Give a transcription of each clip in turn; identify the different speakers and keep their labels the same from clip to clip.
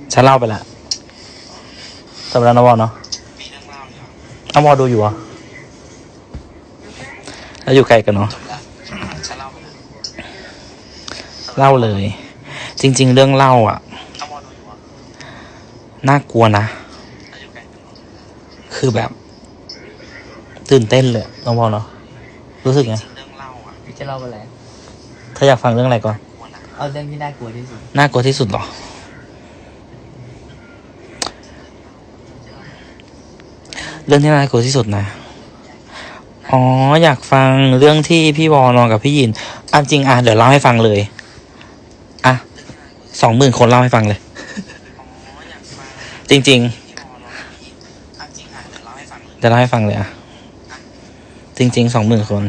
Speaker 1: ฉันเล่าไปละจบแล้วนะวอเนาะเอาวอดูอยู่อ่ะแล้วอยู่ไกลกันเนาะเล่าเลยจริงๆเรื่องเล่าอ่ะน่ากลัวนะคือแบบตื่นเต้นเลยน้องวอเนาะรู้สึกไง
Speaker 2: จะเล่าอะไร
Speaker 1: ถ้าอยากฟังเรื่องอะไรก่อน
Speaker 2: เอาเรื่องที่น่ากลัวที่สุด
Speaker 1: น่ากลัวที่สุดหรอเรื่องที่น่ากลัวที่สุดนะอ๋ออยากฟังเรื่องที่พี่วอนอนกับพี่ยินอันจริงอ่ะเดี๋ยวเล่าให้ฟังเลยอ่ะ20,000 คนเล่าให้ฟังเลยจริงๆจะเล่าให้ฟังเลยอ่ะจริงๆ20,000 คน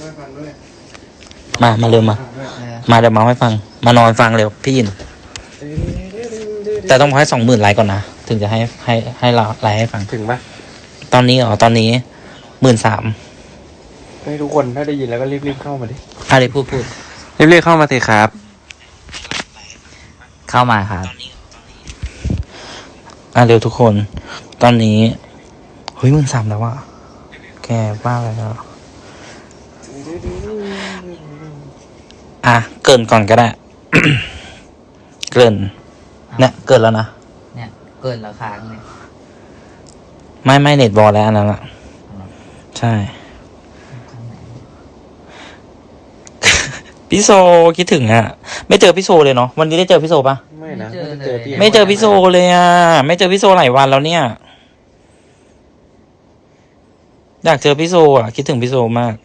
Speaker 1: มาเร็วมาเดี๋ยวเมาให้ฟังมานอนฟังเร็วพี่ยินแต่ต้องให้20,000 ไลค์ก่อนนะถึงจะให้เราไลค์ให้ฟัง
Speaker 3: ถึงปะ
Speaker 1: ตอนนี้ตอนนี้13,000
Speaker 3: ให้ทุกคนถ้าได้ยินแล้วก็รีบเข้ามาดิ
Speaker 1: อะไรพูด
Speaker 3: รีบเข้ามาสิครับ
Speaker 2: เข้ามาครับ
Speaker 1: เร็วทุกคนตอนนี้เฮ้ย13,000แล้วอะแกบ้าอะไรแล้วเกินก่อนก็ได้ เกินเนี่ยเกินแล้วนะ
Speaker 2: เนี่ยเกินราคาเนี่ย
Speaker 1: ไม่เน็ตบอลแล้วอันนั้นอะใช่พี่โซคิดถึงอะไม่เจอพี่โซเลยเนาะวันนี้ได้เจอพี่โซปะ
Speaker 3: ไม่นะ
Speaker 1: ไม่เจอพี่โซเลยอะไม่เจอพี่โซหลายวันแล้วเนี่ยอยากเจอพี่โซอะคิดถึงพี่โซมาก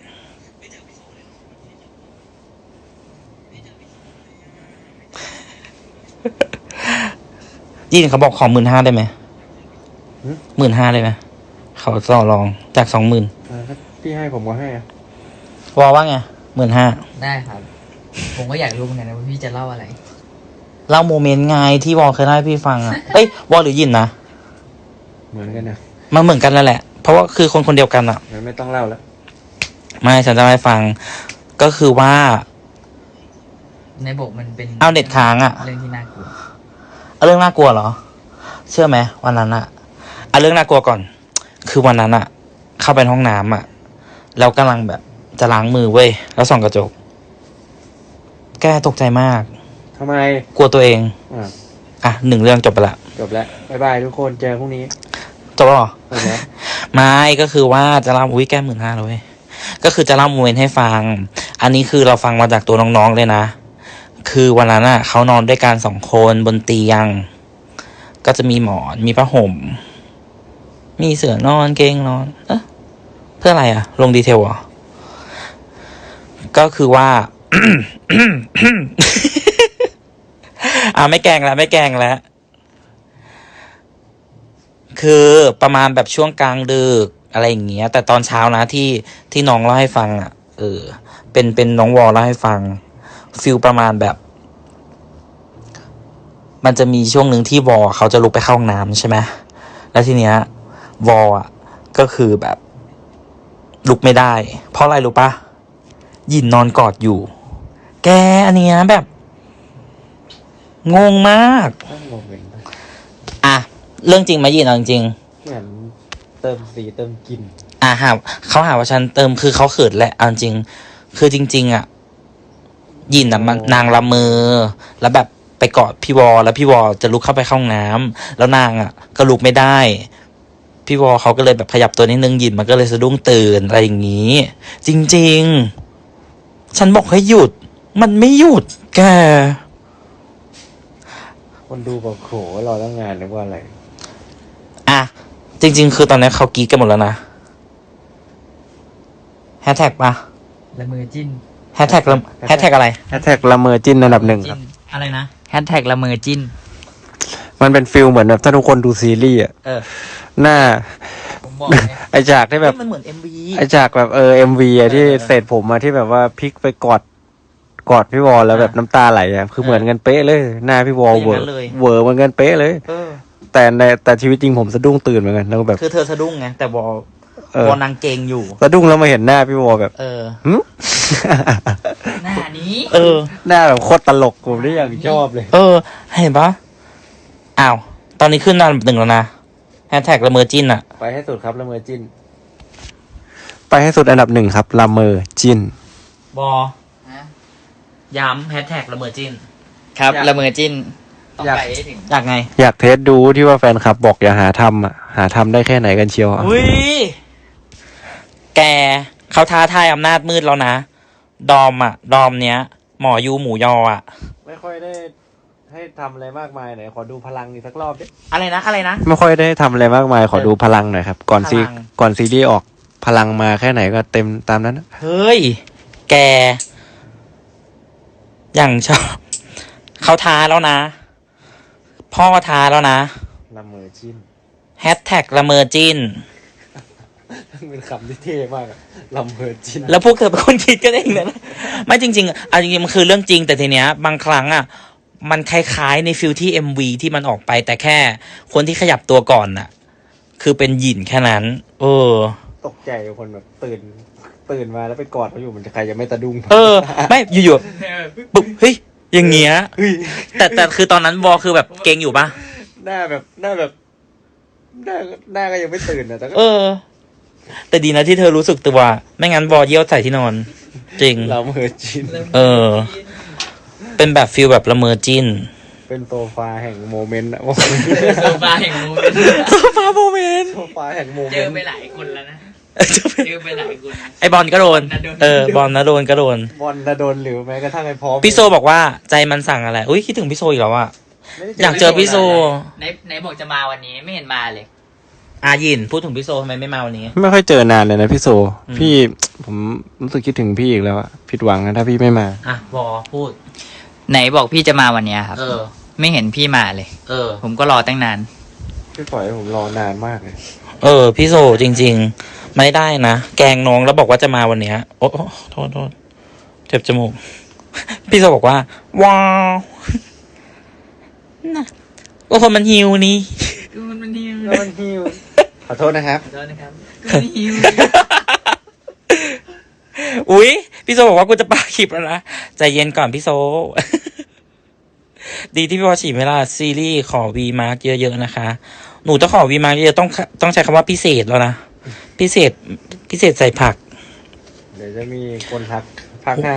Speaker 1: ยินเขาบอกขอ15,000ได้ไหม15,000ได้ไหมเขาต่อรองจาก20,000
Speaker 3: พี่ให้ผมก็ให้
Speaker 1: วอว่าไง15,000
Speaker 2: ได้ครับผมก็อยากรู้เหมือนกันนะว่าพี่จะเล่าอะไร
Speaker 1: เล่าโมเมนต์ไงที่วอเคยเล่าให้พี่ฟังอะวอหรือยินนะ
Speaker 3: เหมือนกันนะ
Speaker 1: มันเหมือนกันแล้วแหละเพราะว่าคือคนเดียวกันอะ
Speaker 3: ไม่ต้องเล่าแล้ว
Speaker 1: ไม่ฉันจะให้ฟังก็คือว่า
Speaker 2: ในบทมันเป็น
Speaker 1: เอาเน็ตค้างอะ
Speaker 2: เรื่องที่น่ากลัว
Speaker 1: เรื่องน่ากลัวเหรอเชื่อไหมวันนั้นอะเรื่องน่ากลัวก่อนคือวันนั้นอะเข้าไปห้องน้ำอะแล้วกำลังแบบจะล้างมือเว้ยแล้วส่องกระจกแกตกใจมาก
Speaker 3: ทำไม
Speaker 1: กลัวตัวเอง1 เรื่องจบไปละ
Speaker 3: จบแล้วบ๊ายบายทุกคนเจอพรุ่งนี้
Speaker 1: จบแล้วหรอไม่ก็คือว่าจะเล่าแก้15,000เลยก็คือจะเล่าโมเมนต์ให้ฟังอันนี้คือเราฟังมาจากตัวน้องๆเลยนะคือวันนั้นอ่ะเขานอนด้วยกัน2 คนบนเตียงก็จะมีหมอนมีผ้าห่มมีเสื่อนอนเกงนอนเพื่ออะไรอ่ะลงดีเทลเหรอก็คือว่า ไม่แกล้งแล้วคือประมาณแบบช่วงกลางดึกอะไรอย่างเงี้ยแต่ตอนเช้านะที่น้องเล่าให้ฟังอ่ะเป็นน้องวอลเล่าให้ฟังฟิลประมาณแบบมันจะมีช่วงหนึ่งที่วอเขาจะลุกไปเข้าห้องน้ำใช่ไหมแล้วทีเนี้ยวอก็คือแบบลุกไม่ได้เพราะอะไรรู้ปะยินนอนกอดอยู่แกอันเนี้ยแบบงงมากเรื่องจริงไหมยินเอาจริง
Speaker 3: เหมือนเติมสีเติมกลิ่น
Speaker 1: เขาหาว่าฉันเติมคือเขาเขินแหละเอาจริงคือจริงๆยินมันนางละเมอแล้วแบบไปกอดพี่วอแล้วพี่วอจะลุกเข้าไปเข้าห้องน้ำแล้วนางก็ลุกไม่ได้พี่วอเขาก็เลยแบบขยับตัวนิดนึงยินมันก็เลยสะดุ้งตื่นอะไรอย่างนี้จริงๆฉันบอกให้หยุดมันไม่หยุดแก
Speaker 3: คนดูบอกโขรอตั้งงานนึกว่าอะไร
Speaker 1: จริงๆคือตอนนี้เขากรี๊ดกันหมดแล้วนะแฮชแท็กปะ
Speaker 2: ละเมอจิ้น
Speaker 1: แฮชแท็กอะไร
Speaker 3: แฮชแท็กละเมอจิ้นอันดับ 1ครับ
Speaker 1: อะไรนะ
Speaker 2: แฮชแท็กละเมอจิ้น
Speaker 3: มันเป็นฟิลเหมือนแบบถ้าทุกคนดูซีรีส์หน้าไอฉากที่แบบ
Speaker 1: มันเหมือน MV
Speaker 3: ไอฉากแบบMV ที่เศษผมที่แบบว่าพลิกไปกอดพี่วอลแล้วแบบน้ำตาไหลคือเหมือนกันเป๊ะเลยหน้าพี่วอลเวอร์เหมือนกันเป๊ะเลยแต่ชีวิตจริงผมสะดุ้งตื่นเหมือนกันแล้วแบบ
Speaker 1: คือเธอสะดุ้งไงแต่วอลนางเกงอยู่
Speaker 3: สะดุ้งแล้วมาเห็นหน้าพี่วอลแบบ
Speaker 2: หน้านี้
Speaker 3: หน้าแบบโคตรตลกผมได้อย่างชอบเลย
Speaker 1: เห็นปะอ้าว ตอนนี้ขึ้นอันดับ 1แล้วนะแฮชแท็กละเมอจิ้นอะ
Speaker 3: ไปให้สุดครับละเมอจิ้น ไปให้สุดอันดับ 1ครับละเมอจิ้น
Speaker 1: บอ
Speaker 2: ฮะ
Speaker 1: ย้ำแฮชแท็กละเมอจิ้น
Speaker 2: ครับ
Speaker 3: อยาก
Speaker 2: ละเมอจิ้น ต้อง
Speaker 3: อยาก
Speaker 2: ไปให้ถึง
Speaker 1: อยากไง
Speaker 3: อยากเทสดูที่ว่าแฟนคลับบอกอย่าหาทำอ่ะ หาทำได้แค่ไหนกันเชียวอะ
Speaker 1: อุ้ย แกเขาท้าทายอำนาจมืดแล้วนะ ดอมเนี้ย หมอยูหมูยออะ
Speaker 3: ไม่ค่อยได้ให้ทำอะไรมากมายไหนขอดูพลังอีกสักรอบดิ
Speaker 1: อะไรนะ อะไรนะ
Speaker 3: ไม่ค่อยได้ทำอะไรมากมายขอดูพลังหน่อยครับ ก่อนซี
Speaker 1: พลัง
Speaker 3: ก่อนซีรีส์ออกพลังมาแค่ไหนก็เต็มตามนั้นนะ
Speaker 1: เฮ้ย แก อย่างชอบ เขาท้าแล้วนะ พ่อท้าแล้วนะ
Speaker 3: ละเมอจิ้น
Speaker 1: แฮชแท็กละเมอจิ้น
Speaker 3: เป็นคำที่เท่มากอะละเมอจิ้น
Speaker 1: แล้วพวกเธอเป็นคนคิดกันเองนะไม่จริงๆเอาจริงๆมันคือเรื่องจริงแต่ทีเนี้ย บางครั้งอ่ะ มันคล้ายๆในฟิลที่ MV ที่มันออกไป แต่แค่คนที่ขยับตัวก่อนน่ะ คือเป็นหยินแค่นั้น
Speaker 3: ตกใจคนแบบตื่นมาแล้วไปกอดเขาอยู่มันจะใครจะไม่ตะดุ้ง
Speaker 1: ไม่อยู่ๆปุ๊บเฮ้ยอย่างเงี้ย
Speaker 3: เฮ้ย
Speaker 1: แต่คือตอนนั้นวอคือแบบเก่งอยู่ปะ
Speaker 3: หน้าก็ยังไม่ตื่นนะแต่ก็
Speaker 1: แต่ดีนะที่เธอรู้สึกตัวไม่งั้นวอเยี่ยวใส่ที่นอน จริง
Speaker 3: ละเมอจิ้น
Speaker 1: เป็นแบบฟิลแบบละเมอจิ้น
Speaker 3: เป็นโซฟาแห่งโมเมนต์อะ
Speaker 2: โซฟาแห่งโมเมนต์
Speaker 1: โซฟาโมเมนต์
Speaker 3: โซฟาแห่งโมเม
Speaker 2: เจอน
Speaker 3: ต์
Speaker 2: ไปหลายคนแล้วนะ เจอไปหลายคน
Speaker 1: ไอบอลก็โดน บอลนะโดนก็โดน
Speaker 3: บอลนะโดนหรือแม้กระทั่งไอ้พร้อม
Speaker 1: พี่โซบอกว่าใจมันสั่งอะไร อุ้ยคิดถึงพี่โซอีกแล้วอะ
Speaker 3: ไม่ได้
Speaker 1: อยากเจอพี่โซ
Speaker 2: ไหนบอกจะมาวันนี้ไม่เห็นมาเลย
Speaker 1: ยินพูดถึงพี่โซทำไมไม่มาวันนี้
Speaker 3: ไม่ค่อยเจอนานเลยนะพี่โซ
Speaker 1: อืม
Speaker 3: พี่ผมรู้สึกคิดถึงพี่อีกแล้วอะผิดหวังนะถ้าพี่ไม่มา
Speaker 1: วอพูด
Speaker 2: ไหนบอกพี่จะมาวันเนี้ยครับ ไม่เห็นพี่มาเลย ผมก็รอตั้งนาน
Speaker 3: พี่ปล่อยให้ผมรอนานมากเลย
Speaker 1: พี่โซจริง ๆ ไม่ได้นะ แกล้งน้องแล้วบอกว่าจะมาวันเนี้ย โอ้โทษเจ็บจมูก พี่โซบอกว่า ว้าวน่ะก็คนมันหิวนี่
Speaker 2: มันหิว
Speaker 3: มันหิวขอโทษนะครับ
Speaker 2: ขอโทษนะครับมันหิว
Speaker 1: อุ๊ย พี่โซบอกว่ากูจะปาคลิปแล้วนะ ใจเย็นก่อนพี่โซ ดีที่พี่วอฉีดเวลาซีรีส์ขอวีมาร์กเยอะๆนะคะ หนูต้องขอวีมาร์กเยอะต้องใช้คำว่าพิเศษแล้วนะ พิเศษใส่ผัก
Speaker 3: เดี๋ยวจะมีคนทักภาค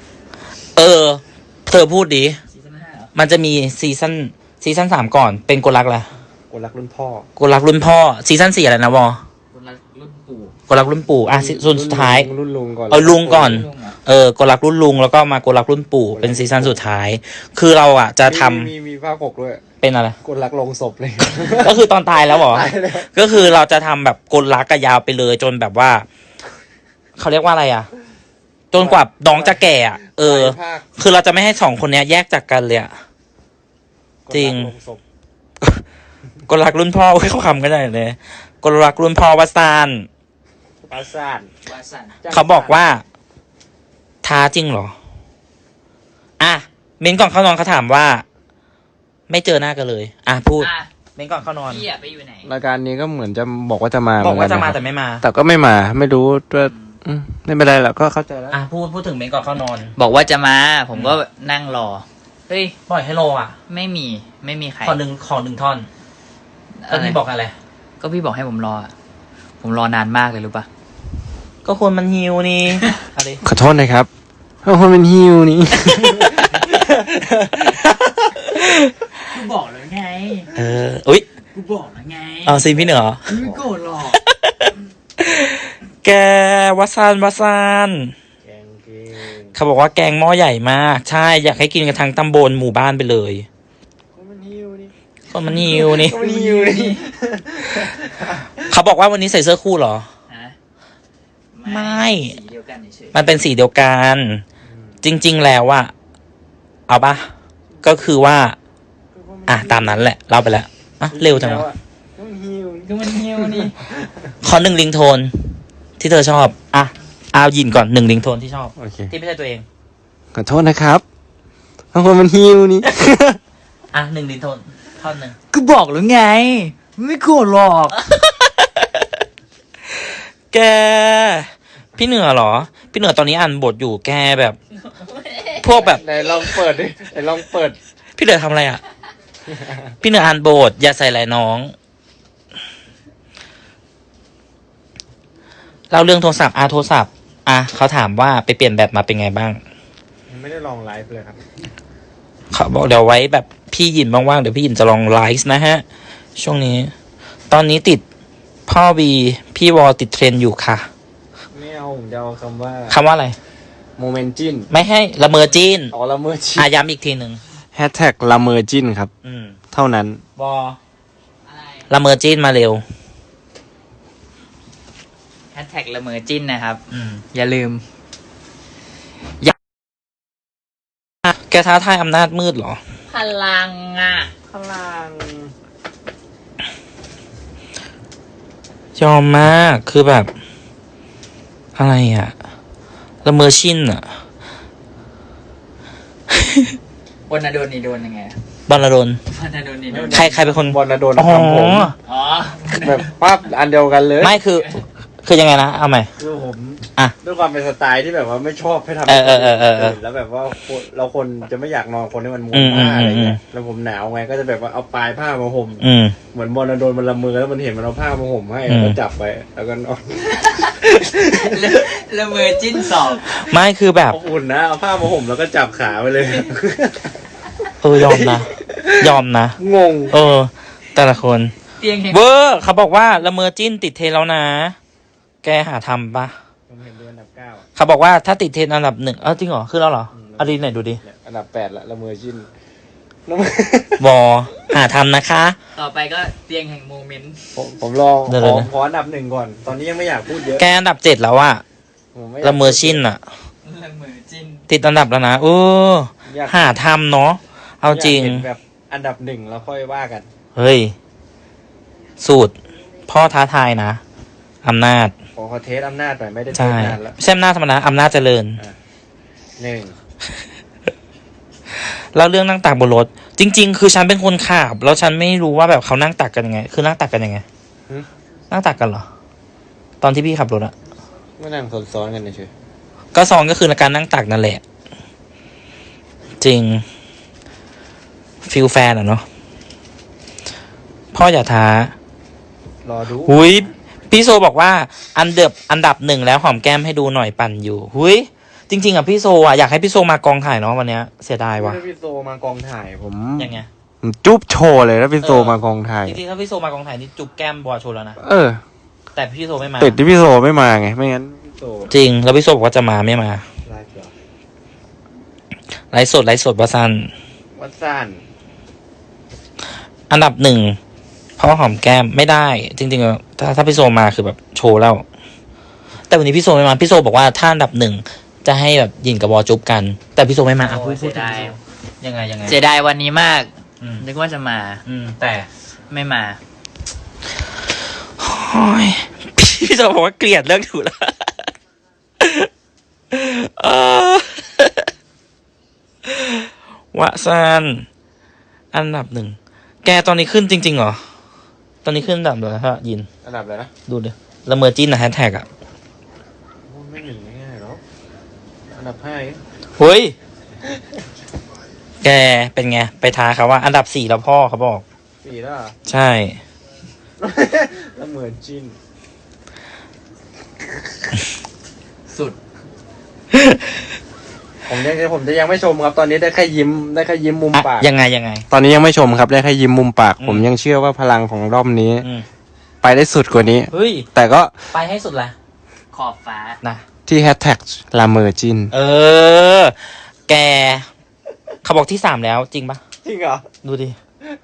Speaker 1: เธอพูดดิ
Speaker 2: ซีซั่น5เหรอ
Speaker 1: มันจะมีซีซั่น3ก่อน เป็นกลรักแหละ
Speaker 3: คนรักรุ่นพ่อ
Speaker 1: กลรักรุ่นพ่อ ซีซั่น4อะไรนะวอ
Speaker 2: คนละรุ่นปู่
Speaker 1: กลรักรุ่นปู่ส่วนสุดท้าย
Speaker 3: รุ่นลุงก่อน
Speaker 1: ลุงก่อน
Speaker 2: ลุงเหรอ
Speaker 1: กลรักรุ่นลุงแล้วก็มากลรักรุ่นปู่ เป็นซีซั่นสุดท้าย คือเราอ่ะจะทำ
Speaker 3: มีภาค6ด้วย
Speaker 1: เป็นอะไร
Speaker 3: คนรักลงศพเลย
Speaker 1: ก็คือตอนตายแล้วเหรอ
Speaker 3: ตายแล้ว
Speaker 1: ก็คือเราจะทำแบบกลรักกะยาวไปเลยจนแบบว่า เขาเรียกว่าอะไรอ่ะ จนกว่าน้องจะแก่อ่ะ
Speaker 3: ภาค
Speaker 1: คือเราจะไม่ให้2คนเนี้ยแยกจากกันเลยอ่ะ จริง
Speaker 3: คนกลงศพ
Speaker 1: กลรักรุ่นพ่อเขาคำกันได้เลยกลรักรุ่นพ่อวัสาน
Speaker 3: ปราสาท
Speaker 2: วาสัน
Speaker 1: เขาบอกว่า ท้าจริงเหรอ เม้นก่อนเข้านอนเขาถามว่า ไม่เจอหน้ากันเลย พูด
Speaker 2: อ่ะ
Speaker 1: เม้นก่อนเข้านอน
Speaker 2: พี่อะไปอยู่ไหน
Speaker 3: รายการนี้ก็เหมือนจะบอกว่าจะมา
Speaker 1: บอกว่าจะมา
Speaker 3: เห
Speaker 1: แต่
Speaker 3: นกันน
Speaker 1: ไม่มา
Speaker 3: แต่ก็ไม่มาไม่รู้ว่าไม่เป็นไรหรอกก็เข้าใจแล้ว
Speaker 1: พูดถึงเม้นก่อนเข้านอน
Speaker 2: บอกว่าจะมา ผมก็นั่งรอ เฮ้ย
Speaker 1: ปล่อยให้โลอ่ะ
Speaker 2: ไม่มีใคร
Speaker 1: ขอหนึ่งท่อนแล้วพี่บอกอะไร
Speaker 2: ก็พี่บอกให้ผมรออะผมรอนานมากเลยรู้ปะ
Speaker 1: ก็คนมันหิวนี่ อะไร
Speaker 3: ขอโทษนะครับคนเป็นฮิวนี่
Speaker 2: กูบอกแล้วไง
Speaker 1: อุ๊ย
Speaker 2: กูบอกแล้วไง
Speaker 1: เอาซีพี่เหนือ
Speaker 2: ไม่โกรธหรอก
Speaker 1: แกวัสานเขาบอกว่าแกงหม้อใหญ่มาก ใช่ อยากให้กินกันทั้งตำบลหมู่บ้านไปเลย
Speaker 3: คนมันฮิวนี่
Speaker 1: คนมันหิวนี่
Speaker 3: คนมันฮิวนี่
Speaker 1: เขาบอกว่าวันนี้ใส่เสื้อคู่เหรอ
Speaker 2: ฮะ
Speaker 1: ไม่
Speaker 2: สีเดียวกันเฉย
Speaker 1: มันเป็นสีเดียวกัน จริง ๆ แล้วอะเอาปะก็คือว่า ตามนั้นแหละ เล่าไปแล้วเร็วจังวะ
Speaker 3: คนมันฮิว
Speaker 2: ๆก็มันเหี่ยวนี่
Speaker 1: ขอ1 ลิงโทน ที่เธอชอบ เอายินก่อน1 ลิงโทนที่ชอบ
Speaker 3: โอเค
Speaker 1: ที่ไม่ใช่ตัวเอง
Speaker 3: ขอโทษนะครับคนมันฮิวนี่
Speaker 1: 1 ลิงโทนท่อนหนึ่ง
Speaker 2: ก็บอกแล้วไง ไม่โกรธหรอก
Speaker 1: แก พี่เหนือเหรอ พี่เหนือตอนนี้อ่านบทอยู่แกแบบ พวกแบบ
Speaker 3: ไหนลองเปิดดิไหนลองเปิด
Speaker 1: พี่เหนือทำอะไรอ่ะ
Speaker 3: น
Speaker 1: พี่เหนืออ่านโบทอย่าใส่หลายน้องเล่าเรื่องโทรศัพท์โทรศัพท์เขาถามว่าไปเปลี่ยนแบตมาเป็นไงบ้าง
Speaker 3: ไม่ได้ลองไลฟ์เลยครับ
Speaker 1: เขาบอกเดี๋ยวไว้แบบพี่หยินว่างๆเดี๋ยวพี่หยินจะลองไลฟ์นะฮะ ช่วงนี้ ตอนนี้ติดพ่อวีพี่วอติดเทรนด์อยู่ค่ะ
Speaker 3: ไม่เอาผมจะเอาคำว่า
Speaker 1: คำว่าอะไร
Speaker 3: โมเมนจิน
Speaker 1: ไม่ให้ละเมอจีน
Speaker 3: อ๋อละเมอจิน
Speaker 1: ย้ำอีกทีหนึ่ง
Speaker 3: แฮชแท็กละเมอจินครับ เท่านั้น
Speaker 1: วอละเมอจีนมาเร็ว
Speaker 2: แฮชแท็กละเมอจิ้นนะครับ อย่าลืม
Speaker 1: แกท้าทายอำนาจมืดเหรอ
Speaker 2: พลังอ่ะ
Speaker 3: พลัง
Speaker 1: ยอมมากคือแบบ อะไรอะละเมอชินอะ
Speaker 2: บนนาโดนนี่โดนยังไง
Speaker 1: บอลลดน
Speaker 2: บนนาโดนนี่โดน
Speaker 1: ใครเป็นคน
Speaker 3: บอลนะโดน
Speaker 1: อ๋อ
Speaker 3: ทำผม
Speaker 2: อ๋อ
Speaker 3: แบบปั๊บอันเดียวกันเลย
Speaker 1: ไม่คือยังไงนะเอาใหม่
Speaker 3: คือผม
Speaker 1: อ่ะ
Speaker 3: ด้วยความเป็นสไตล์ที่แบบว่าไม่ชอบให้ทำ
Speaker 1: เออ
Speaker 3: แล้วแบบว่าเราคนจะไม่อยากนอนคนที่มันม้ว
Speaker 1: อื
Speaker 3: น
Speaker 1: ม
Speaker 3: ผ้าอะไรเงี้
Speaker 1: อื
Speaker 3: ย
Speaker 1: ม
Speaker 3: แล้วผมหนาวไงก็จะแบบว่าเอาปลายผ้ามาห่ม
Speaker 1: อืม
Speaker 3: เหมือนบอลนะโดนมันละมือแล้วมันเห็นมันเอาผ้ามาห่มให้
Speaker 1: อืม
Speaker 3: แล้วจับไปแล้วก็นอน
Speaker 2: ละเมอจิ้นสอง
Speaker 1: ไม่คือแบบ
Speaker 3: เอาอุ่นนะเอาผ้ามาห่มแล้วก็จับขาไปเลย
Speaker 1: ยอมนะ ยอมนะ
Speaker 3: งง
Speaker 1: แต่ละคน
Speaker 2: เตียงแห่ง
Speaker 1: เวอร์เขาบอกว่าละเมอจิ้นติดเทรนด์แล้วนะ แกหาทำปะ
Speaker 3: ผมเห็นด้วยอันดับ 9
Speaker 1: เขาบอกว่าถ้าติดเทรนด์อันดับ 1จริงเหรอขึ้นแล้วเหรอเอาดีไหนดูดิ
Speaker 3: เนี่ยอันดับ 8ละละเมอชิน
Speaker 1: วอหาทำนะคะ
Speaker 2: ต่อไปก็เตียงแห่งโมเมนต์
Speaker 3: ผมลอง
Speaker 1: เดี๋ยว
Speaker 3: ขออันดับ 1ก่อน ตอนนี้ยังไม่อยากพูดเยอะ
Speaker 1: แกอันดับ 7แล้วอะ
Speaker 3: ผมไยาก
Speaker 1: ละเมอชินอะ
Speaker 2: ละเมอจิ้น
Speaker 1: ติดอันดับแล้วนะ
Speaker 3: อยาก
Speaker 1: หาทำเนาะเอาจริง
Speaker 3: ยกห็นแบบอันดับ 1แล้วค่อยว่ากัน
Speaker 1: เฮ้ย สูตร พ่อท้าทายนะอำนาจ
Speaker 3: ขอเทสอำนาจหน่อยไม่ได้เท
Speaker 1: ใช่
Speaker 3: สนานแล้ว
Speaker 1: ไม่ใช่อำนาจธรรมดาอำนาจเจริญ
Speaker 3: 1
Speaker 1: แล้วเรื่องนั่งตักบนรถ จริง ๆ คือฉันเป็นคนขับแล้วฉันไม่รู้ว่าแบบเขานั่งตักกันยังไง คือนั่งตักกันยังไง นั่งตักกันเหรอ ตอนที่พี่ขับรถอะ
Speaker 3: ไม่นั่งซ้อนๆกันเฉย
Speaker 1: ก็ซองก็คือการนั่งตักนั่นแหละ จริงฟิลแฟนอะเนาะพ่ออย่าท้าร
Speaker 3: อดู
Speaker 1: หุยพี่โซบอกว่าอันดับ 1แล้วหอมแก้มให้ดูหน่อยปั่นอยู่หุยจริง ๆอะพี่โซอะอยากให้พี่โซมากองถ่ายเนาะวันเนี้ยเสียดายว่ะ
Speaker 3: ถ้าพี่โซมากองถ่ายผม
Speaker 1: ยังไง
Speaker 3: ผมจุ๊บโชว์เลยถ้าพี่โซมากองถ่าย
Speaker 1: จริงๆถ้าพี่โซมากองถ่ายนี่จุ๊บแก้มบอโชว์แล้วนะ แต่พี่โซไม่มา
Speaker 3: ติดที่พี่โซไม่มาไง ไม่งั้นพี่โซ
Speaker 1: จริง แล้วพี่โซบอกว่าจะมาไม่มา
Speaker 3: ไลฟ์เหรอ
Speaker 1: ไลฟ์สดวาซัน
Speaker 3: วัดซ่าน
Speaker 1: อันดับ 1เพราะหอมแก้มไม่ได้ จริงๆถ้าพี่โซมาคือแบบโชว์แล้ว แต่วันนี้พี่โซไม่มาพี่โซบอกว่าถ้าอันดับ 1จะให้แบบยินกับบอจุ๊บกัน แต่พี่โซไม่มาอ่ะพูด
Speaker 2: เสียดาย
Speaker 1: ยังไง
Speaker 2: เสียดายวันนี้มาก
Speaker 1: อืม
Speaker 2: นึกว่าจะมา
Speaker 1: แต่
Speaker 2: ไม่มา
Speaker 1: โอ้ยพี่โซบอกว่าเกลียดเรื่องถูกแล้วเออวะซันอันดับ 1แกตอนนี้ขึ้นจริงๆเหรอ ตอนนี้ขึ้นอันดับเลยฮะยิน
Speaker 3: อันดับอะไรนะ
Speaker 1: ดูดิละเมอจิ้นนะแฮชแท็กอ่ะ
Speaker 3: โอ้ไม่หนึ่งง่ายๆหรอกอันดับ 5เอง
Speaker 1: เฮ้ย แกเป็นไง ไปท้าเขาว่า อันดับ 4แล้วพ่อเขาบอก
Speaker 3: 4แล้วเหรอ
Speaker 1: ใช่
Speaker 3: แล้วเหมือนจิน
Speaker 2: สุด
Speaker 3: ผมจะยังไม่ชมครับ ตอนนี้ได้แค่ยิ้มมุมปาก
Speaker 1: ยังไง
Speaker 3: ตอนนี้ยังไม่ชมครับได้แค่ยิ้มมุมปาก
Speaker 1: อืม
Speaker 3: ผมยังเชื่อว่าพลังของรอบนี้
Speaker 1: อืม
Speaker 3: ไปได้สุดกว่านี้
Speaker 1: เฮ้ย
Speaker 3: แต่ก็
Speaker 1: ไปให้สุดละ
Speaker 2: ขอบฟ้า
Speaker 1: นะ
Speaker 3: ที่แฮชแท็กลาเมอร์จิน
Speaker 1: แก เขาบอกที่ 3แล้วจริงปะ
Speaker 3: จริงเหรอ
Speaker 1: ดูดิ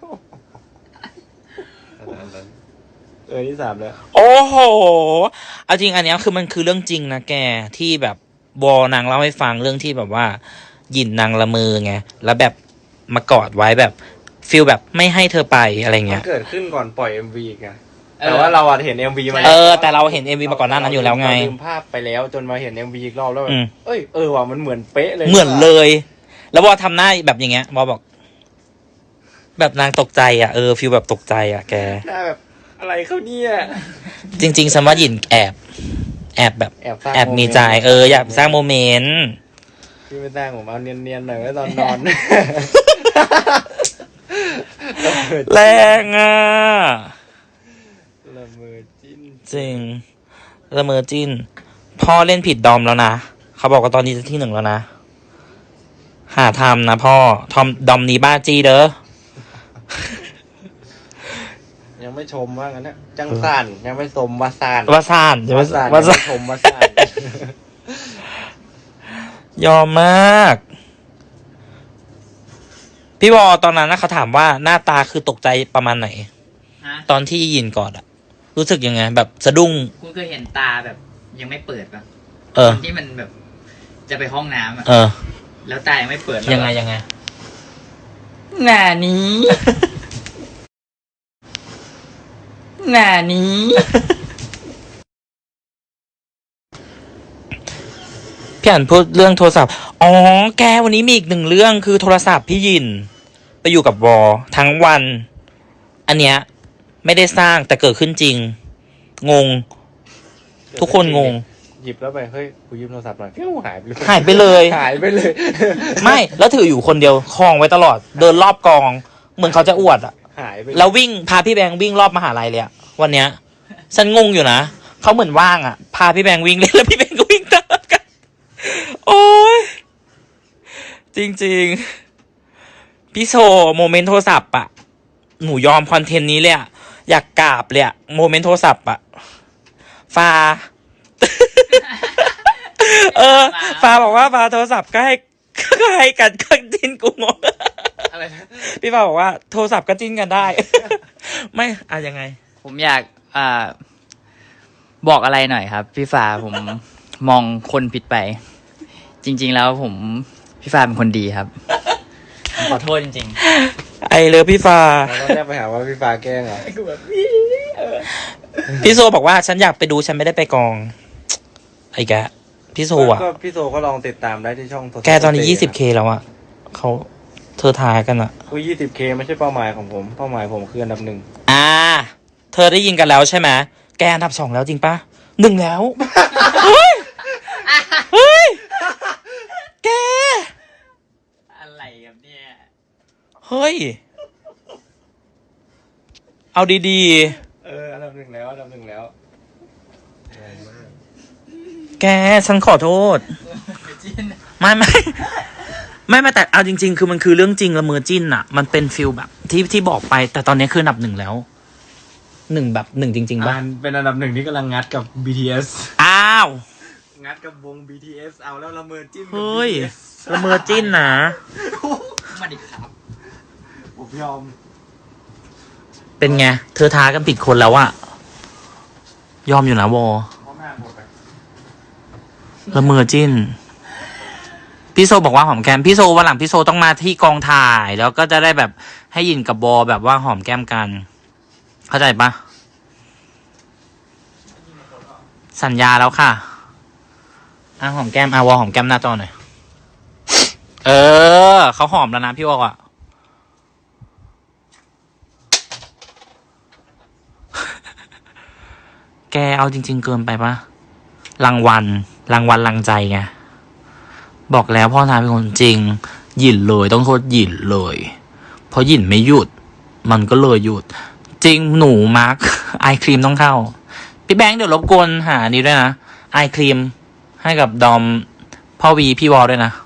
Speaker 3: ที่ 3แล้ว
Speaker 1: โอ้โห เอาจริงอันเนี้ยคือมันคือเรื่องจริงนะแกที่แบบวอนางเล่าให้ฟังเรื่องที่แบบว่าหยินนางละเมอไงแล้วแบบมากอดไว้แบบฟิลแบบไม่ให้เธอไปอะไร
Speaker 3: มั
Speaker 1: เงี้
Speaker 3: น
Speaker 1: ย
Speaker 3: เกิดขึ้นก่อนปล่อย MV อีกอะ
Speaker 2: เออ
Speaker 3: แต่ว่าเราอะเห็น MV มา
Speaker 1: แต่เราเห็น MV มาก่อนหน้านั้นอยู่แล้วไง
Speaker 3: เราลืมภาพไปแล้วจนมาเห็น MV อีกรอบแล้วแบบ
Speaker 1: อืม
Speaker 3: ว่ะมันเหมือนเป๊ะเลย
Speaker 1: เหมือนเลย แล้ววอทำหน้าแบบอย่างเงี้ยวอบอก แบบนางตกใจอ่ะฟิลแบบตกใจอ่ะแก
Speaker 3: หน้าแบบอะไรเขาเนี่ย
Speaker 1: จริงๆสมว่าหยินแอบแบบ
Speaker 3: สร้าง
Speaker 1: แอบมีใจอยากสร้างโมเมนต์
Speaker 3: พี่ไม่สร้างผมเอาเนียนๆหน่อยไว้ตอนนอน ต
Speaker 1: แรงอ่ะ
Speaker 3: ละเมอจิ้น
Speaker 1: จริงละเมอจิ้นพ่อเล่นผิดดอมแล้วนะเขาบอกว่าตอนนี้จะที่ 1แล้วนะหาทำนะพ่อทอมดอมนี้บ้าจีเด้อ
Speaker 3: ยังไม่ชมว่างั้นนะจังซ่านยังไม่ชมว่าซ่าน
Speaker 1: ว่าซ่านจะว่า
Speaker 3: ซ่าน
Speaker 1: ว่า
Speaker 3: ยัง
Speaker 1: ซ่า
Speaker 3: ไม่
Speaker 1: น
Speaker 3: ชมว่าซ่าน
Speaker 1: ยอมมาก พี่วอตอนนั้นนะเขาถามว่าหน้าตาคือตกใจประมาณไหน
Speaker 2: ฮะ
Speaker 1: ตอนที่ยินก่อนอะรู้สึกยังไง แบบสะดุ้ง
Speaker 2: คุณเคยเห็นตาแบบ ยังไม่เปิดปะ
Speaker 1: เออ
Speaker 2: ตอนที่มันแบบ จะไปห้องน้ำอะ
Speaker 1: เออ
Speaker 2: แล้วตายังไม่เปิดแล้ว
Speaker 1: ยังไงยังไง
Speaker 2: หน้านี้ หน้านี้
Speaker 1: พี่อ่านพูดเรื่องโทรศัพท์ อ๋อ แกวันนี้มีอีก 1 เรื่องคือโทรศัพท์พี่ยิน ไปอยู่กับวอทั้งวัน อันเนี้ยไม่ได้สร้างแต่เกิดขึ้นจริง งง ทุกคนงง
Speaker 3: หยิบแล้วไปเฮ้ยกูยืมโทรศัพท์หน่อยฟิวหายไปเลย
Speaker 1: หายไปเลย
Speaker 3: หายไปเลย
Speaker 1: ไม่ แล้วถืออยู่คนเดียวคลองไว้ตลอด เดินรอบกอง เหมือนเขาจะอวดอะ
Speaker 3: หายไป
Speaker 1: แล้ววิ่งพาพี่แบงค์วิ่งรอบมหาลัยเลยอะวันเนี้ย ฉันงงอยู่นะ เขาเหมือนว่างอะพาพี่แบงค์วิ่งเล่นแล้วพี่แบงค์ก็วิ่งตามกัน โอ้ยจริงๆ พี่โชว์โมเมนต์โทรศัพท์อะหนูยอมคอนเทนต์นี้เลยอะอยากกราบเลยอะโมเมนต์โทรศัพท์อะฟ้า ฟ้าบอกว่าฟ้าโทรศัพท์ก็ให้กันก็จิ้นกูงง
Speaker 3: อะไรนะ
Speaker 1: พี่ฟ้าบอกว่าโทรศัพท์ก็จิ้นกันได้ ไม่อะยังไง
Speaker 2: ผมอยากบอกอะไรหน่อยครับ พี่ฟ้าผม มองคนผิดไป จริง ๆ แล้วพี่ฟ้าเป็นคนดีครับ ขอโทษจริง
Speaker 1: ไอเลิฟพี่ฟ้า
Speaker 3: เราต้องแยกไปหาว่าพี่ฟ้าแกล้งเหรอ
Speaker 1: พี่โซบอกว่าฉันอยากไปดูฉันไม่ได้ไปกอง ไอ้แกพี่โซอ่ะ
Speaker 3: ก็พี่โซก็ลองติดตามได้ที่ช่องโทรศัพท์
Speaker 1: แกตอนนี้ 20K แล้วอ่ะเขาเธอทายกันอ่ะ
Speaker 3: กู 20K ไม่ใช่เป้าหมายของผม เป้าหมายผมคืออันดับ 1
Speaker 1: อ่า เธอได้ยินกันแล้วใช่ไหมแกอันดับ 2แล้วจริงปะ1แล้ว เฮ้ย เฮ้ย แก
Speaker 2: ๆ อะไรครับเนี่ย
Speaker 1: เฮ้ย เอาดี
Speaker 3: อันดับ 1 แล้วอันดับ 1 แล้ว
Speaker 1: ๆ แกฉันขอโทษ ไม่ไม่แต่เอาจริง ๆ คือมันคือเรื่องจริงละเมอจิ้นอะมันเป็นฟิลแบบที่บอกไป แต่ตอนนี้คืออันดับ 1แล้ว1แบบ1จริงๆป่ะ
Speaker 3: เป็นอันดับ 1ที่กำลังงัดกับ BTS
Speaker 1: อ้าว
Speaker 3: งัดกับวง BTS เอาแล้วละเมอจิ้นกับ
Speaker 1: เฮ้ย
Speaker 3: BTS
Speaker 1: ละเมอจิ้นนะ
Speaker 2: มาดิครับ
Speaker 3: ผมยอม
Speaker 1: เป็นไง เธอท้ากันผิดคนแล้วอะยอมอยู่นะวอ
Speaker 3: พ่อแม่หมดไป
Speaker 1: ละเมอจิ้น พี่โซบอกว่าหอมแก้มพี่โซวันหลังพี่โซต้องมาที่กองถ่าย แล้วก็จะได้แบบให้ยินกับบอแบบว่าหอมแก้มกัน เข้าใจปะสัญญาแล้วค่ะหอมแก้มวอหอมแก้มหน้าจอหน่อย เออเขาหอมแล้วนะพี่วออ่ะ แกเอาจริง ๆ เกินไปปะรางวัลรางใจไง บอกแล้วพ่อทาเป็นคนจริง หยินเลยต้องโทษหยินเลย เพราะหยินไม่หยุด มันก็เลยหยุด จริงหนูมาร์ค ไอครีมต้องเข้า พี่แบงค์เดี๋ยวรบกวนหานี้ด้วยนะไอครีมให้กับดอมพ่อวีพี่วอลด้วยนะ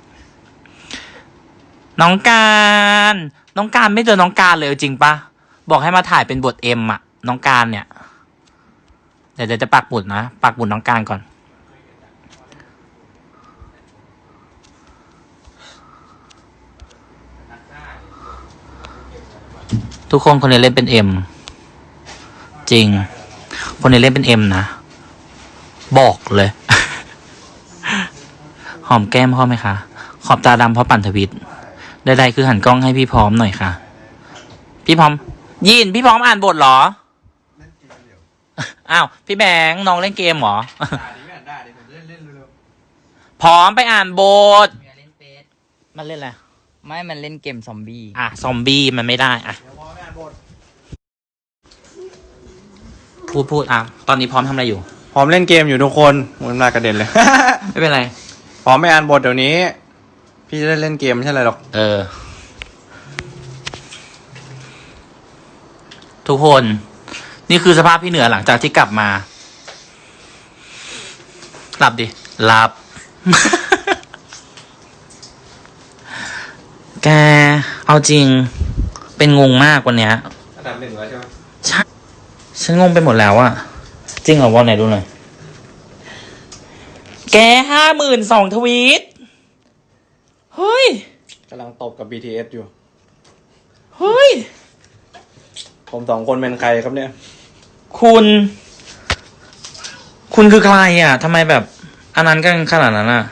Speaker 1: น้องการไม่เจอน้องการเลยจริงปะบอกให้มาถ่ายเป็นบทเอ็มอะน้องการเนี่ย เดี๋ยวจะปักหมุดนะปักหมุดน้องการก่อน ทุกคนคนนี้เล่นเป็นเอ็มจริง คนนี้เล่นเป็นเอ็มนะ บอกเลย หอมแก้มพ่อไหมคะ ขอบตาดำเพราะปั่นทวิตใดๆคือหันกล้องให้พี่พร้อมหน่อยค่ะ พี่พร้อมยินพี่พร้อมอ่านบทเหรอ อ้าวพี่แบงค์น้องเล่นเกมเหรอ พร้อมไปอ่านบท
Speaker 2: เล่นเฟส
Speaker 1: มันเล่นอะไร
Speaker 2: ไม่มันเล่นเกมซอมบี้
Speaker 1: ซอมบี้มันไม่ได้พูดตอนนี้พร้อมทำอะไรอยู่
Speaker 3: พร้อมเล่นเกมอยู่ทุกคนมันมากระเด็นเลย
Speaker 1: ไม่เป็นไร
Speaker 3: พร้อมไม่อ่านบทเดี๋ยวนี้ พี่จะได้เล่นเกมไม่ใช่อะไรหรอก
Speaker 1: เออทุกคน นี่คือสภาพพี่เหนือหลังจากที่กลับมา หลับดิ หลับ แก เอาจริง เป็นงงมากวันเนี้ย
Speaker 3: อันดับ 1แล้วใช่ไหม
Speaker 1: ใช่ฉันงงไปหมดแล้วอะจริงเหรอวอลไหนดูหน่อย แก52,000 ทวีต เฮ้ย
Speaker 3: กำลังตบกับ BTS อยู่
Speaker 1: เฮ้ย
Speaker 3: ผม2 คนเป็นใครครับเนี่ย
Speaker 1: คุณคือใครอ่ะทำไมแบบอันนั้นกันขนาดนั้นอ่ะ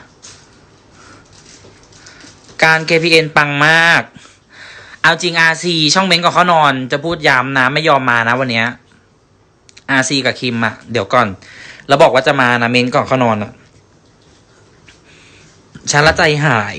Speaker 1: การ KPN ปังมาก เอาจริง RC ช่องเม้นก่อนเขานอน จะพูดย้ำนะ ไม่ยอมมานะวันเนี้ย RC กับคิมอ่ะ เดี๋ยวก่อน แล้วบอกว่าจะมานะเม้นก่อนเขานอนอ่ะ ฉันละใจหาย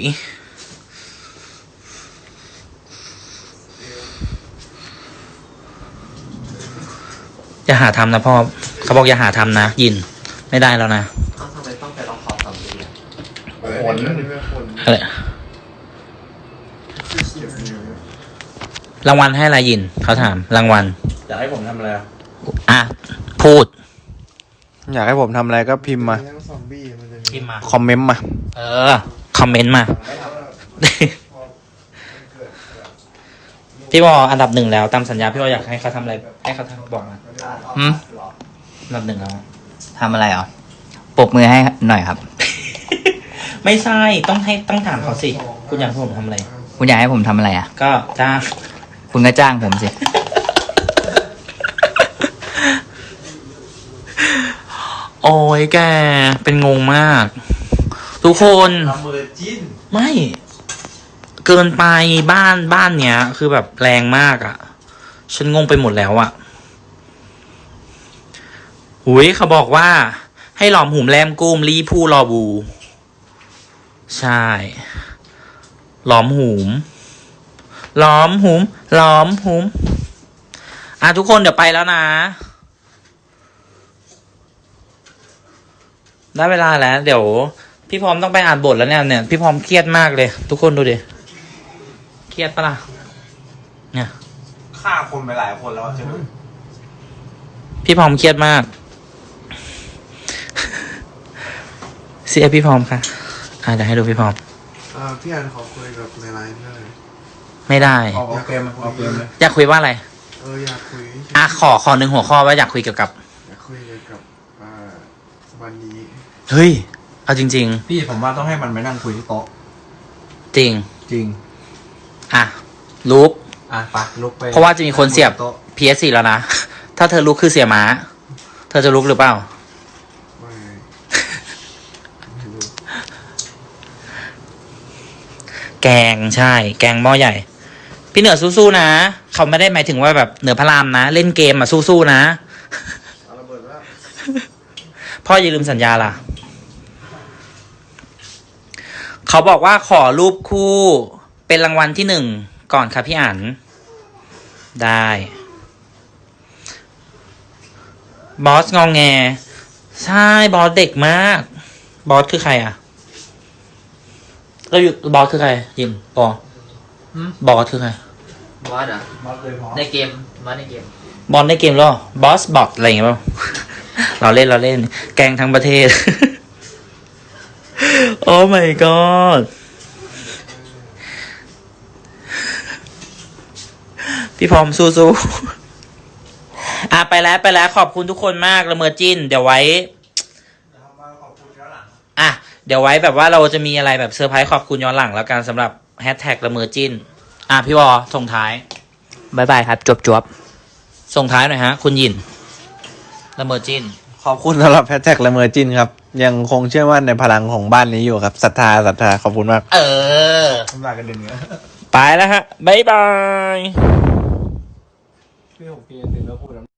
Speaker 1: อย่าหาทำนะพ่อ เขาบอกอย่าหาทำนะ ยิน ไม่ได้แล้วนะ
Speaker 2: ทำไมต้องไปลองขอบสามดี
Speaker 3: ขน
Speaker 1: อะไรรางวัลให้อะไรยิน เขาถาม รางวัล
Speaker 3: อยากให้ผมทำอะไรอะ
Speaker 1: อ่ะ พูด
Speaker 3: อยากให้ผมทำอะไรก็พิมพ์มา
Speaker 1: พิมพ์มา
Speaker 3: คอมเมนต์มา
Speaker 1: เออ คอมเมนต์มา พี่วออันดับ 1แล้วตามสัญญาพี่วออยากให้เขาทำอะไร ให้เขาทำบอกมา อันดับ 1แล้ว
Speaker 2: ทำอะไรอ่ะปรบมือให้หน่อยครับ
Speaker 1: ไม่ใช่ ต้องถามเขาสิ คุณอยากให้ผมทำอะไร
Speaker 2: คุณอยากให้ผมทำอะไรอ่ะ
Speaker 1: ก็จ้าง
Speaker 2: คุณก็จ้างผมสิ
Speaker 1: โอ้ยแก เป็นงงมาก ทุกคน ไม่ เกินไปบ้านเนี้ย คือแบบแรงมากอะ่ะ ฉันงงไปหมดแล้วอะ่ะหุยเขาบอกว่า ให้หลอมหุมแรมกุ้มรีผู้รอบู ใช่ หลอมหุมอ่ะทุกคนเดี๋ยวไปแล้วนะ ได้เวลาแล้ว เดี๋ยว พี่พร้อมต้องไปอ่านบทแล้วเนี่ยพี่พร้อมเครียดมากเลย ทุกคนดูดิ เครียดปะล่ะ เนี่ย
Speaker 3: ฆ่าคนไปหลายคนแล้วใช่ไหม
Speaker 1: พี่พร้อมเครียดมาก เสียพี่พร้อมค่ะเดี๋ยวให้ดูพี่พร้อม
Speaker 4: พี่อันขอคุยกับในไลน์ได้เลย
Speaker 1: ไม่ได้
Speaker 3: ออกเกมเลย
Speaker 1: อยากคุยว่าอะไร
Speaker 4: อยากคุย
Speaker 1: ขอหนึ่งหัวข้อว่าอยากคุยเกี่ยวกับ
Speaker 4: อยากคุยเกี่ยวกับวันนี้
Speaker 1: เฮ้ย เอาจริง
Speaker 3: พี่ผมว่าต้องให้มันไปนั่งคุยที่โต๊ะ
Speaker 1: ๆ จริง
Speaker 3: จริง
Speaker 1: ลุก
Speaker 3: ไปลุกไป
Speaker 1: เพราะว่าจะมีคนเสียบ
Speaker 3: โต๊ะ
Speaker 1: PS4 แล้วนะ ถ้าเธอลุกคือเสียม้า เธอจะลุกหรือเปล่า
Speaker 4: ไม่รู้
Speaker 1: แกงใช่ แกงหม้อใหญ่ พี่เหนือสู้ๆนะ เขาไม่ได้หมายถึงว่าแบบเหนือพระรามนะ เล่นเกมสู้ๆนะ
Speaker 4: เอาระเบิดแล้ว
Speaker 1: พ่ออย่าลืมสัญญาล่ะ เขาบอกว่าขอรูปคู่เป็นรางวัลที่ 1ก่อนค่ะพี่อั๋นได้ บอสงองแง ใช่บอสเด็กมาก บอสคือใครอ่ะบอสคือใครยินบอสคือใคร
Speaker 2: บอสเหรอ ในเกม บอสในเกม
Speaker 1: บอลในเกมหรอบอสบอทอะไรอย่างเงี้ยเปล่า เราเล่น แกล้งทั้งประเทศ โอ้ my god พี่พร้อมสู้ๆไปแล้วขอบคุณทุกคนมากละเมอจิ้น เดี๋ยวไว้ เดี๋ยวไว้แบบว่าเราจะมีอะไรแบบเซอร์ไพรส์ขอบคุณย้อนหลังแล้วกันสำหรับแฮชแท็กละเมอจิ้น พี่วอส่งท้าย
Speaker 2: บ๊ายบายครับ จวบ
Speaker 1: ส่งท้ายหน่อยฮะ คุณยินละเมอจิ้น
Speaker 3: ขอบคุณสำหรับแฮชแท็กละเมอจินครับ ยังคงเชื่อมั่นในพลังของบ้านนี้อยู่ครับศรัทธาขอบคุณมาก
Speaker 4: ทำลายกันเด่นเนื้อ
Speaker 1: ไปแล้วฮะ บ๊ายบาย
Speaker 3: พี่ผมกินตินแล้วพูด